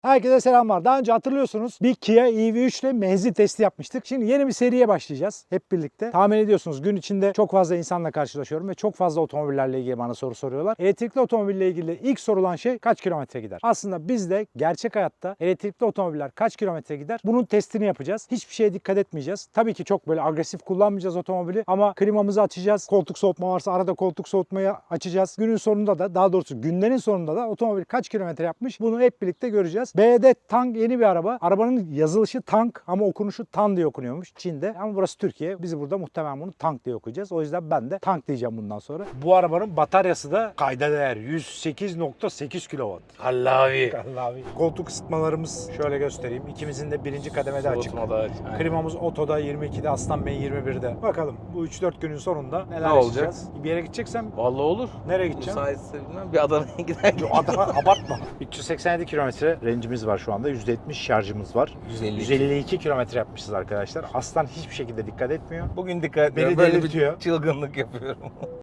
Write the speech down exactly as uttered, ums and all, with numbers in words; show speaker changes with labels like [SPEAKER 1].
[SPEAKER 1] Herkese selamlar. Daha önce hatırlıyorsunuz bir Kia E V üç ile menzil testi yapmıştık. Şimdi yeni bir seriye başlayacağız hep birlikte. Tahmin ediyorsunuz gün içinde çok fazla insanla karşılaşıyorum ve çok fazla otomobillerle ilgili bana soru soruyorlar. Elektrikli otomobille ilgili ilk sorulan şey kaç kilometre gider? Aslında biz de gerçek hayatta elektrikli otomobiller kaç kilometre gider? Bunun testini yapacağız. Hiçbir şeye dikkat etmeyeceğiz. Tabii ki çok böyle agresif kullanmayacağız otomobili ama klimamızı açacağız. Koltuk soğutma varsa arada koltuk soğutmayı açacağız. Günün sonunda da, daha doğrusu günlerin sonunda da otomobil kaç kilometre yapmış bunu hep birlikte göreceğiz. B D Tank yeni bir araba. Arabanın yazılışı Tank ama okunuşu Tan diye okunuyormuş Çin'de. Ama burası Türkiye. Biz burada muhtemelen bunu Tank diye okuyacağız. O yüzden ben de Tank diyeceğim bundan sonra. Bu arabanın bataryası da kayda değer yüz sekiz nokta sekiz kilowatt.
[SPEAKER 2] Allavi.
[SPEAKER 1] Allahi. Koltuk ısıtmalarımız şöyle göstereyim. İkimizin de birinci kademede açık.
[SPEAKER 2] Soğutma da aç. Aynen.
[SPEAKER 1] Klimamız otoda yirmi ikide, Aslan Bey yirmi birde. Bakalım bu üç dört günün sonunda neler
[SPEAKER 2] Ne olacak?
[SPEAKER 1] yaşayacağız. Bir yere gideceksem
[SPEAKER 2] Vallahi olur.
[SPEAKER 1] nereye gideceğim?
[SPEAKER 2] Müsaitse bilmem bir Adana'ya gider.
[SPEAKER 1] Yo, Adana, abartma. üç yüz seksen yedi kilometre range'imiz var şu anda. yüzde yetmiş şarjımız var.
[SPEAKER 2] yüz elli iki.
[SPEAKER 1] yüz elli iki kilometre yapmışız arkadaşlar. Aslan hiçbir şekilde dikkat etmiyor.
[SPEAKER 2] Bugün dikkat
[SPEAKER 1] Beni
[SPEAKER 2] Beni böyle
[SPEAKER 1] delirtiyor.
[SPEAKER 2] bir çılgınlık yapıyorum.